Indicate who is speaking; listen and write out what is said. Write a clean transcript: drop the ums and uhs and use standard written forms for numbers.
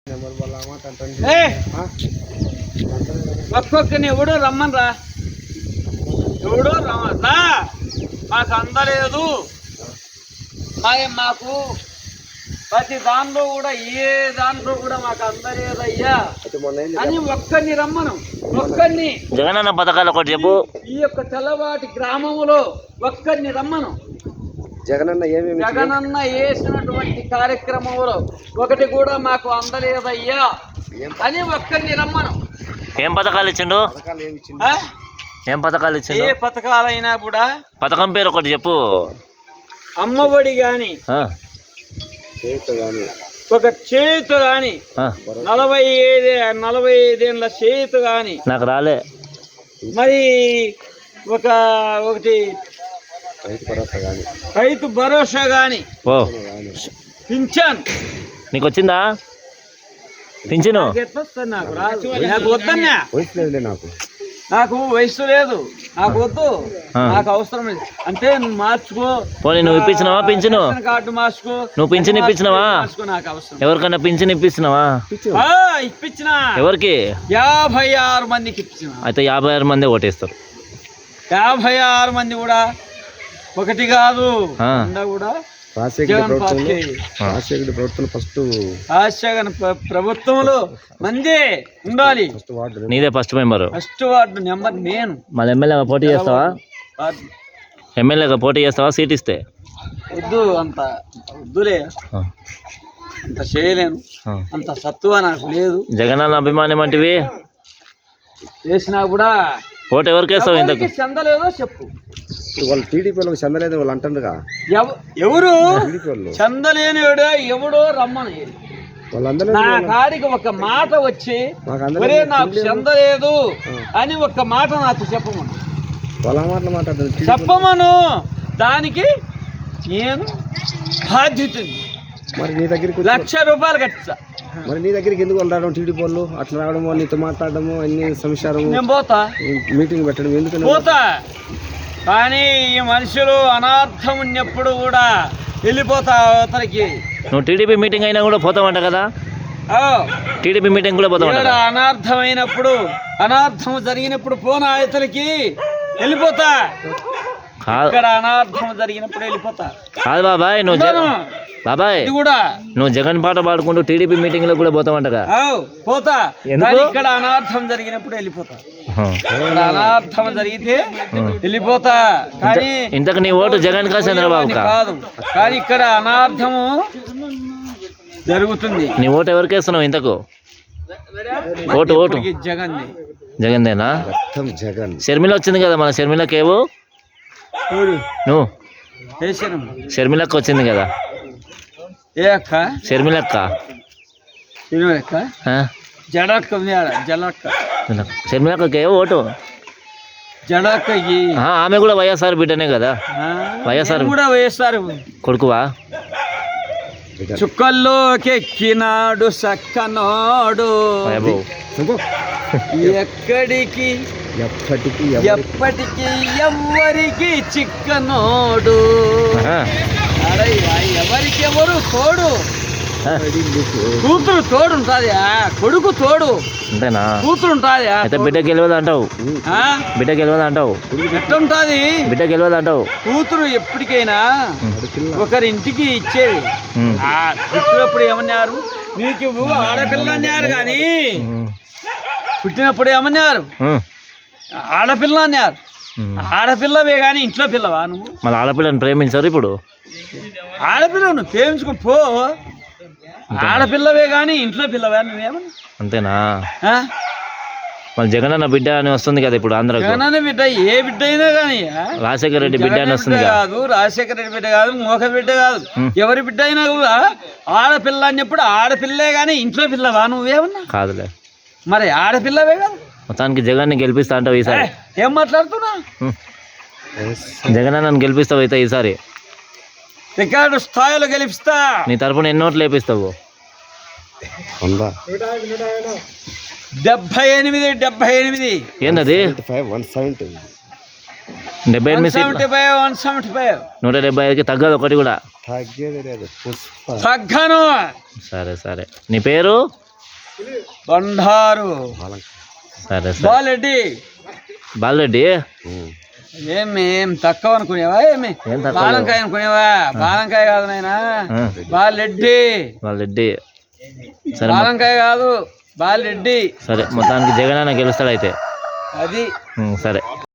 Speaker 1: ఒక్కొక్కరిని ఎవడో రమ్మనరా, ఎవడో రమ్మరా, మాకు అందలేదు. మాకు ప్రతి దాంట్లో కూడా ఏ దాంట్లో కూడా మాకు అందలేదయ్యా అని ఒక్కరిని రమ్మను. ఒక్కరిని
Speaker 2: జగనన్న పథకాలు ఒకటి చెప్పు.
Speaker 1: ఈ యొక్క తెల్లవాటి గ్రామంలో ఒక్కరిని రమ్మను. జగనన్న వేసినటువంటి కార్యక్రమంలో ఒకటి కూడా మాకు అందలేదయ్యా అని ఒక్కరిని రమ్మను.
Speaker 2: ఏం పథకాలు ఇచ్చిండు? ఏం పథకాలు ఇచ్చిండు?
Speaker 1: ఏ పథకాలైనా కూడా
Speaker 2: పథకం పేరు ఒకటి చెప్పు.
Speaker 1: అమ్మఒడి గాని, ఒక చేతు గాని, 45 ఏళ్ళ చేతు గాని
Speaker 2: నాకు రాలే.
Speaker 1: మరి ఒకటి రైతు భరోసా గాని, పింఛన్
Speaker 2: నీకు వచ్చిందా? పింఛను
Speaker 1: నాకు రాదు. నాకు వద్దన్నా, నాకు వయసు లేదు, నాకు వద్దు, నాకు అవసరం లేదు. అంటే నువ్వు మార్చుకో.
Speaker 2: పోనీ నువ్వు ఇప్పించినావా పింఛను?
Speaker 1: కార్డు మార్చుకో.
Speaker 2: నువ్వు పింఛన్ ఇప్పించినావా?
Speaker 1: నాకు అవసరం.
Speaker 2: ఎవరికన్నా పింఛన్ ఇప్పించినావా?
Speaker 1: ఇప్పించిన.
Speaker 2: ఎవరికి?
Speaker 1: 56 మందికి ఇప్పించిన.
Speaker 2: అయితే 56 మంది ఓటేస్తారు.
Speaker 1: 56 మంది కూడా ఒకటి కాదు కూడా ప్రభుత్వంలో మంది ఉండాలి.
Speaker 2: నీదే first member,
Speaker 1: first ward number నేను.
Speaker 2: మళ్ళీ ఎమ్మెల్యేగా పోటీ చేస్తావా? ఎమ్మెల్యేగా పోటీ చేస్తావా? సీట్ ఇస్తే?
Speaker 1: వద్దు, అంత వద్దులే, అంత చేయలేను, అంత సత్తువ నాకు లేదు.
Speaker 2: జగనన్న అభిమానం అంటివి
Speaker 1: చేసినా కూడా
Speaker 2: ఓటు ఎవరికి వేస్తావు? ఇంతకు
Speaker 1: చెందలేదో చెప్పు.
Speaker 3: వాళ్ళు టీడీపీలో చెందలేదు వాళ్ళు అంటారుగా.
Speaker 1: ఎవరు చెందలేని ఎవడో రమ్మని నా కాడికి ఒక మాట వచ్చి ఒరే నాకు చెందలేదు అని ఒక్క మాట నాకు చెప్పమను. చెప్పమను, దానికి నేను బాధ్యతని.
Speaker 3: మరి నీ దగ్గరికి
Speaker 1: ₹1,00,000 కట్టా.
Speaker 3: మరి నీ దగ్గరికి ఎందుకు వాళ్ళు రావడం? టీడీపీ వాళ్ళు అట్లా రావడము, నీతో మాట్లాడము, అన్ని సంసారం,
Speaker 1: నేను పోతా,
Speaker 3: మీటింగ్ పెట్టడం ఎందుకు
Speaker 1: పోతా. కానీ ఈ మనుషులు అనార్థం ఉన్నప్పుడు కూడా వెళ్ళిపోతా అవతలకి.
Speaker 2: నువ్వు టీడీపీ మీటింగ్ అయినా కూడా పోతావంట కదా? టీడీపీ మీటింగ్ కూడా పోతావంట.
Speaker 1: అనార్థమైనప్పుడు, అనార్థం జరిగినప్పుడు పోనా అవతలకి వెళ్ళిపోతా. ఇక్కడ అనార్థం జరిగినప్పుడు వెళ్ళిపోతా.
Speaker 2: కాదు బాబాయ్, నువ్వు జగన్ పాట పాడుకుంటూ టీడీపీ మీటింగ్ లో కూడా పోతావంటగా?
Speaker 1: పోతా. ఇక్కడ అనార్థం జరిగినప్పుడు వెళ్ళిపోతా. అనార్థం జరిగితే వెళ్ళిపోతా. కానీ
Speaker 2: ఇంతకు నీ ఓటు జగన్ కా చంద్రబాబు
Speaker 1: కాదు, కానీ ఇక్కడ అనార్థము జరుగుతుంది.
Speaker 2: నీ ఓటు ఎవరికి వేస్తున్నావు ఇంతకు? ఓటు జగన్దేనా? షర్మిల వచ్చింది కదా, మన షర్మిలకేవో నువ్వు షర్మిలక్క వచ్చింది కదా?
Speaker 1: ఏ అక్క?
Speaker 2: షర్మిలక్క.
Speaker 1: జడక్క
Speaker 2: షర్మిలక్కకే ఓటు.
Speaker 1: జడక్కకి
Speaker 2: ఆమె కూడా వైఎస్ఆర్ బిడ్డనే కదా? వైఎస్ఆర్
Speaker 1: కూడా వైఎస్ఆర్
Speaker 2: కొడుకువా?
Speaker 1: చుక్కల్లోకెక్కినాడు సక్కనోడు, ఎక్కడికి ఎప్పటికి ఎవ్వరికి చిక్కనోడు. ఎవరికెవరు తోడు? కూతురు తోడు ఉంటాదా? కొడుకు తోడు
Speaker 2: అంతేనా?
Speaker 1: కూతురు ఉంటాదా?
Speaker 2: అయితే బిడ్డ గెలవదు అంటావు? బిడ్డ గెలవదు అంటావు?
Speaker 1: ఎట్లుంటది?
Speaker 2: బిడ్డ గెలవదు అంటావు?
Speaker 1: కూతురు ఎప్పటికైనా ఒకరి ఇంటికి ఇచ్చేది. పుట్టినప్పుడు ఏమన్నారు? నీకు ఆడపిల్ల అన్నారు, కానీ పుట్టినప్పుడు ఏమన్నారు? ఆడపిల్ల అన్నారు. ఆడపిల్లవే కానీ ఇంట్లో పిల్లవా నువ్వు?
Speaker 2: మళ్ళీ ఆడపిల్లని ప్రేమించారు ఇప్పుడు?
Speaker 1: ఆడపిల్ల నువ్వు ప్రేమించుకో పో. ఆడపిల్లవే కానీ ఇంట్లో పిల్లవా నువ్వేమన్నా?
Speaker 2: అంతేనా? మళ్ళీ జగనన్న బిడ్డ అని వస్తుంది కదా ఇప్పుడు ఆంధ్రాకి.
Speaker 1: జగనన్న బిడ్డ ఏ బిడ్డ అయినా కానీ
Speaker 2: రాజశేఖర రెడ్డి బిడ్డ అని వస్తుంది
Speaker 1: కాదు, రాజశేఖర రెడ్డి బిడ్డ కాదు, మోక బిడ్డ కాదు, ఎవరి బిడ్డ అయినా కూడా ఆడపిల్ల అన్నప్పుడు ఆడపిల్లే కానీ ఇంట్లో పిల్లవా నువ్వేమన్నా?
Speaker 2: కాదులే.
Speaker 1: మరి ఆడపిల్లవే కాదు.
Speaker 2: మొత్తానికి జగన్ని గెలిపిస్తా అంటావు ఈసారి?
Speaker 1: ఏం మాట్లాడుతున్నా?
Speaker 2: జగనన్నను గెలిపిస్తావు అయితే ఈసారి?
Speaker 1: రికార్డు స్థాయిలో గెలిపిస్తా.
Speaker 2: నీ తరపున ఎన్ని ఓట్లు వేపిస్తావు?
Speaker 1: 78. ఏంటది?
Speaker 2: 175కి తగ్గదు ఒకటి కూడా?
Speaker 1: తగ్గను.
Speaker 2: సరే సరే. నీ పేరు?
Speaker 1: బండారు
Speaker 2: సరే సరే
Speaker 1: బాలెడ్డి.
Speaker 2: బాలరెడ్డి
Speaker 1: ఏం తక్కువ అనుకునేవా? ఏమి
Speaker 2: ఏం తక్కువ
Speaker 1: బాలంకాయ అనుకునేవా? బాలంకాయ కాదు నాయనా, బాలెడ్డి.
Speaker 2: బాలరెడ్డి. సరే
Speaker 1: బాలంకాయ కాదు, బాలెడ్డి.
Speaker 2: సరే మొత్తానికి జగన్ అన్న గెలుస్తాడు అయితే.
Speaker 1: అది
Speaker 2: సరే.